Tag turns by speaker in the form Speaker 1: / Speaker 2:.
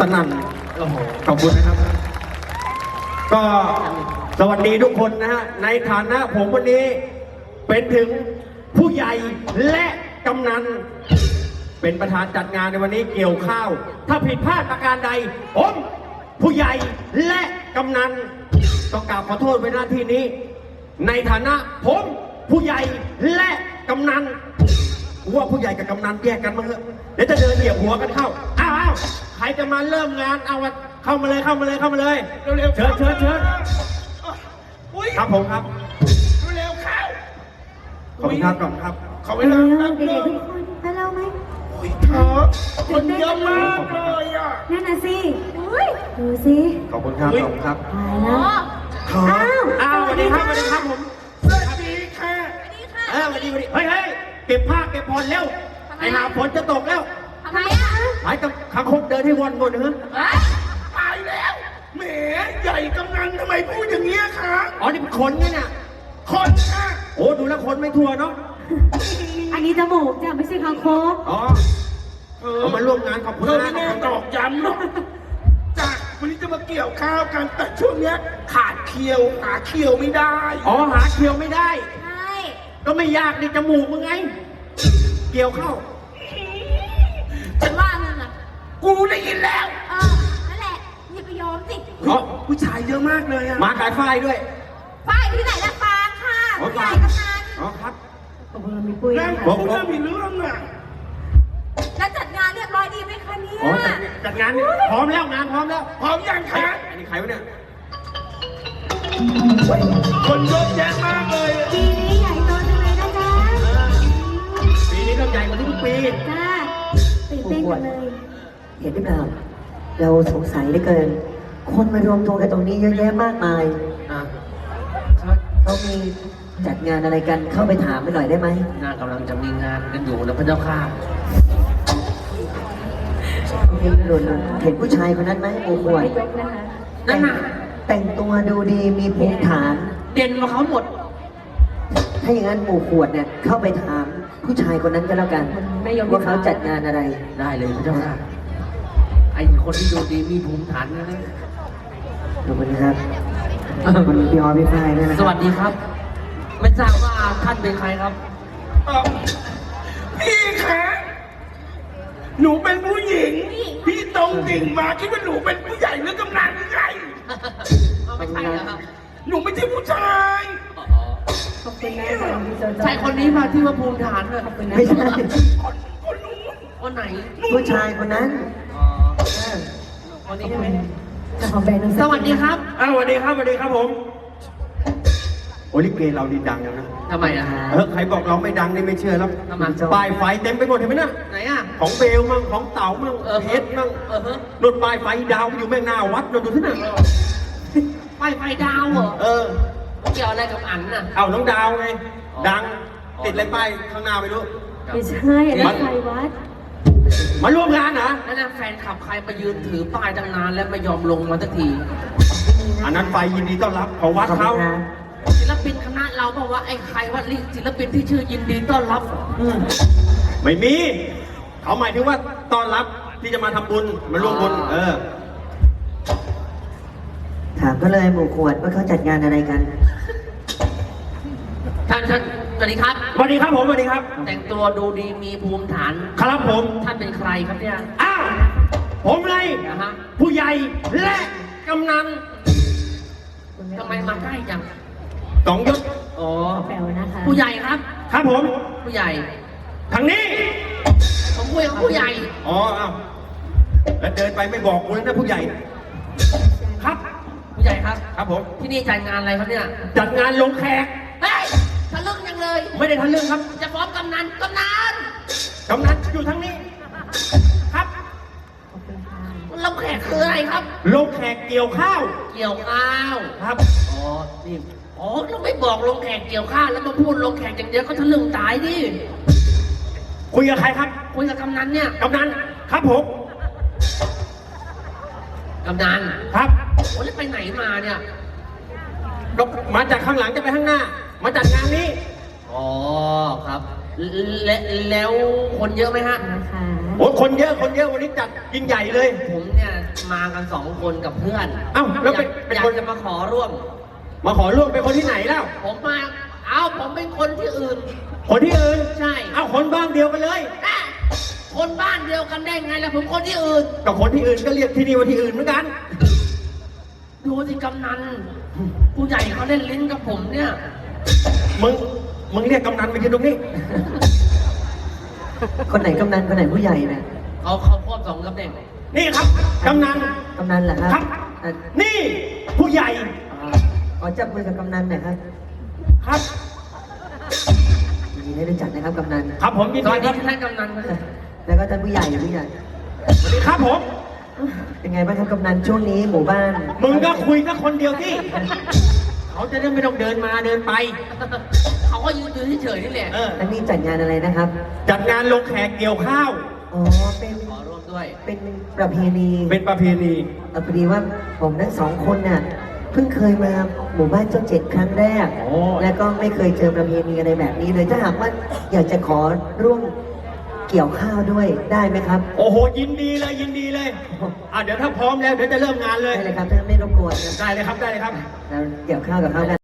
Speaker 1: นั่นขอบคุณนะครับก็สวัสดีทุกคนนะฮะในฐานะผมวันนี้เป็นถึงผู้ใหญ่และกำนันเป็นประธานจัดงานในวันนี้เกี่ยวข้าวถ้าผิดพลาดประการใดผมผู้ใหญ่และกำนันต้องกราบขอโทษไว้หน้าที่นี้ในฐานะผมผู้ใหญ่และกำนันว่าผู้ใหญ่กับกำนันแยกกันมั้งเถอะเดี๋ยวจะเดินเหยียบหัวกันเข้าอ้าวใครจะมาเริ่มงานเอาเข้ามาเลยเร็วๆเชิญครับผมครับ
Speaker 2: เร็วเข้า
Speaker 1: ขอบคุณครับก่อนครับ
Speaker 2: ขอเวลาแป๊บนึง
Speaker 3: ให้เราไหม
Speaker 2: เธอคนเยอะมากเลยอ่ะ
Speaker 3: นั่นน่ะสิดูสิ
Speaker 1: ขอบคุณครับขอบคุณครับ
Speaker 3: ตายแล้ว
Speaker 1: อ้าวสวัสดีครับผม
Speaker 2: สวัสดีค่ะ
Speaker 1: สวัสดีเฮ้ยเก็บผ้าเก็บผ่อนเร็วไอ้หาฝนจะตกแล้ว
Speaker 3: ทำไมอ่ะ
Speaker 1: หายกับขังคกเดินให้วนเถอะ
Speaker 2: ตายแล้วแหมใหญ่กำนันทำไมพูดอย่างนี้คะ
Speaker 1: อ๋อนี่เป็นคนเนี่ย
Speaker 2: คนค่ะ
Speaker 1: โอ้ดูแล้วคนไม่ทั่วเนาะ
Speaker 3: อันนี้จมูกจ้ะไม่ใช่คางคก
Speaker 1: อ๋อเขามาร่วมงานขอบคุณนะ
Speaker 2: ไม่แน่ตอกย้ำหรอกจ้ะวันนี้จะมาเกี่ยวข้าวกันแต่ช่วงเนี้ยขาดเคียวหาเคียวไม่ได้
Speaker 1: อ๋อหาเคียวไม่ได้
Speaker 3: ใช่
Speaker 1: ก็ไม่ยากนี่จมูกมึงไงเกี่ยวเข้า
Speaker 3: ฉันว่านั่นน่ะ
Speaker 2: กูได้ยินแล้ว
Speaker 3: นั่นแหละอย่าไปยอมสิ
Speaker 2: ผู้ชายเยอะมากเลยอะ
Speaker 1: มาขายฝ้ายด้วย
Speaker 3: ฝ้ายที่ไหนล่ะฟางค่ะใหญ่กำนัน
Speaker 1: อ๋อครับ
Speaker 3: มีปุ้ย
Speaker 2: แม่มีเรื่องอะ
Speaker 3: แล้วจัดงานเรียบร้อยดีไหมคะเนี่ย
Speaker 1: จัดงานพร้อมแล้วงานพร้อมแล้ว
Speaker 2: พร้อมยังคะ
Speaker 1: อันนี้ใครวะเนี่ย
Speaker 2: คนเยอะแยะมากเลย
Speaker 3: ปีนี้ใหญ่โตจังเลยนะจ๊ะ
Speaker 1: ปีนี้ต้องใหญ่กว่าทุกปี
Speaker 3: จ้าตื่นเต้นจังเลย
Speaker 4: เห็นหรือเปล่าเราสงสัยเหลือเกินคนมารวมตัวกันตรงนี้เยอะแยะมากมายเขามีจัดงานอะไรกันเข้าไปถามไปหน่อยได้ไหม
Speaker 5: งานกำลังจะมีงานกันอยู่นะพระเจ้าค่ะ
Speaker 4: เห็นผู้ชายคนนั้นไหมโอ้โห
Speaker 5: นั่นน่ะ
Speaker 4: แต่งตัวดูดีมีภูมิฐาน
Speaker 5: เด่นกว่าเขาหมด
Speaker 4: ถ้าอย่างนั้นหมู่ขวดเนี่ยเข้าไปถามผู้ชายคนนั้นก็แล้วกันว่าเขาจัดงานอะไร
Speaker 5: ได้เลยพระเจ้าค่ะไอ้คนที่ดูดีมีภูมิฐานนะ
Speaker 4: ขอบคุณครับวันนี้พี่ออพี่ฝ้ายด้วยนะ
Speaker 5: สวัสดีครับไม่ทราบว่าท่านเป็นใครครับ
Speaker 2: พี่คะหนูเป็นผู้หญิงพี่ตรงดิ่งมาคิดว่าหนูเป็นผู้ใหญ่หรือกำนันหรือไง
Speaker 5: ไม่ใช่ครับ
Speaker 2: หนูไม่ใช่ผู้ชาย
Speaker 3: ขอบคุณนะ
Speaker 5: ใช่คนนี้มาที่ว่าภูมิฐานเลย
Speaker 4: ไม่ใช่
Speaker 2: คนนู้น
Speaker 5: คนไหน
Speaker 4: ผู้ชายคนนั้น
Speaker 5: คนนี้ใช่ไหม
Speaker 3: สวัสดีครับ
Speaker 1: สวัสดีครับผมโอลิเกเราดีดังนะ
Speaker 5: ทำไมอ่ะ
Speaker 1: ใครบอกเราไม่ดังนี่ไม่เชื่อแล้วป้ายไฟเต็มไปหมดเห็นไหมนะ
Speaker 5: ไหนอ่ะ
Speaker 1: ของเบลมั่งของเต๋ามั่งเพชรมั่งรถป้ายไฟดาวอยู่แม่งหน้าวัดเราดูที่ไหน
Speaker 5: ป้ายไฟดาวเหรอเกี่ยวอะไรกับอันน่ะ
Speaker 1: เอาน้องดาวไงดังติดอะไรป้ายข้างหน้าไม่รู้
Speaker 3: ไม่ใช่อะไรไฟวัด
Speaker 1: มาร่วมงานนะ
Speaker 5: นั่นนะแฟนขับใครมายืนถือป้ายตั้งนานแล้วไม่ยอมลงมาสักที
Speaker 1: อันนั้นไฟยินดีต้อนรับของวัดเขา
Speaker 5: ศิลปินคณะเราบอกว่าไอ้ใครว่าศิลปินที่ชื่อยินดีต้อนรับ
Speaker 1: ไม่มีเขาหมายถึงว่าต้อนรับที่จะมาทำบุญมาร่วมบุญ
Speaker 4: ถามก็เลยหมู่ขวดว่าเขาจัดงานอะไรกัน
Speaker 5: ท่านสวัสดีครับ
Speaker 1: สวัสดีครับผมสวัสดีครับ
Speaker 5: แต่งตัวดูดีมีภูมิฐาน
Speaker 1: ครับผม
Speaker 5: ท่านเป็นใครครับเนี่ย
Speaker 1: ผมไงผู้ใหญ่และกำนัน
Speaker 5: ทำไมมาใกล้จัง
Speaker 1: 2 ยศ
Speaker 3: แปลว่านะคะ
Speaker 5: ผู้ใหญ่ครับ
Speaker 1: ครับผม
Speaker 5: ผู้ใหญ่
Speaker 1: ทางนี้
Speaker 5: ผมคุยกับผู้ใหญ่
Speaker 1: แล้วเดินไปไม่บอกกูเลยนะผู้ใหญ่ครับ
Speaker 5: ผู้ใหญ่ครับ
Speaker 1: ครับผม
Speaker 5: ที่นี่จัดงานอะไรครับเนี่ย
Speaker 1: จัดงานลงแขก
Speaker 5: ทะลึ่งยังเลย
Speaker 1: ไม่ได้ทะลึ่งครับ
Speaker 5: จะฟ้องกำนัน
Speaker 1: อยู่ทางนี้ครับ
Speaker 5: ลงแขกคืออะไรครับ
Speaker 1: ลงแขกเกี่ยวข้าว
Speaker 5: ครับนี่เราไม่บอกลงแขกเกี่ยวข้าวแล้วมาพูดลงแขกอย่างเดียวก็ทะลึ่งตายดิ
Speaker 1: คุยกับใครครับ
Speaker 5: คุยกับกำนันเนี่ย
Speaker 1: กำนันครับผม
Speaker 5: กำนัน
Speaker 1: ครับ
Speaker 5: โอ้แล้วไปไหนมาเนี่ย
Speaker 1: มาจากข้างหลังจะไปข้างหน้ามาจัดงานนี้
Speaker 5: อ๋อครับแล้วคนเยอะไหมฮะ
Speaker 1: โอ้คนเยอะวันนี้จัดยิ่งใหญ่เลย
Speaker 5: ผมเนี่ยมากัน2 คนกับเพื่อน
Speaker 1: เอ้าแล้วเป็น
Speaker 5: อยา
Speaker 1: ค
Speaker 5: ก
Speaker 1: น
Speaker 5: จะมาขอร่วม
Speaker 1: มาขอร่วมเป็นคนที่ไหนแล้ว
Speaker 5: ผมเป็นคนที่อื่น
Speaker 1: คนที่อื่น
Speaker 5: ใช่
Speaker 1: เอ้าคนบ้านเดียวกันเลย
Speaker 5: คนบ้านเดียวกันได้ไงล่ะผมคนที่อื่น
Speaker 1: กับคนที่อื่นก็เรียกที่นี่ว่าที่อื่นเหมือนกัน
Speaker 5: ดูสิกำนันผู้ใหญ่เขาเล่นลิ้นกับผมเนี่ย
Speaker 1: มึงเรียกกำนันไปยืนตรงนี้
Speaker 4: คนไหนกำนันคนไหนผู้ใหญ่เนี่ย
Speaker 5: เขาควบ2 ตำแหน่ง
Speaker 1: นี่ครับกำนัน
Speaker 4: กำนันเหรอครับ
Speaker 1: ครับ
Speaker 4: อ่ะ
Speaker 1: นี่ผู้ใหญ่
Speaker 4: ขอจับมือกับกำนันหน่อยครับ
Speaker 1: ครับ
Speaker 4: ยินดีได้รู้จักนะครับกำนัน
Speaker 1: ครับผมยิน
Speaker 5: ต
Speaker 1: ดี
Speaker 5: อน
Speaker 1: ค
Speaker 5: นี้
Speaker 1: รับ
Speaker 5: ท่านกำนันนะ
Speaker 4: แล้วก็ท่านผู้ใหญ่ผู้ใหญ่
Speaker 1: สวัสดีครับผม
Speaker 4: เป็นไงบ้างครับกำนันช่วงนี้หมู่บ้าน
Speaker 1: มึงก็คุยกับคนเดียวที่ เขาจะได้ไม่ต้องเดินมาเดินไป
Speaker 5: เขาก็ยืนเฉยๆนี่แหละ
Speaker 1: เออ
Speaker 4: แล้วนี่จัดงานอะไรนะครับ
Speaker 1: จัดงานลงแขกเกี่ยวข้าว
Speaker 4: อ๋อ เป็น
Speaker 5: ขอร่วมด้วย
Speaker 4: เป็นประเพณี
Speaker 1: เป็นประเพณี
Speaker 4: พอดีว่าผมทั้ง2 คนน่ะเพิ่งเคยมาหมู่บ้านเจ้าเจ็ดครั้งแรก
Speaker 1: โอ้
Speaker 4: แล้วก็ไม่เคยเจอประเพณีอะไรแบบนี้เลยถ้าหากว่าอยากจะขอร่วมเกี่ยวข้าวด้วยได้ไหมครับ
Speaker 1: โอ้โหยินดีเลยยินดีเลยเดี๋ยวถ้าพร้อมแล้วเดี๋ยวจะเริ่มงานเลย
Speaker 4: ได้เลยครับถ้าไม่รบกวนนะ
Speaker 1: ได้เลยครับได้เลยครับ
Speaker 4: เราเกี่ยวข้าวกับเขากัน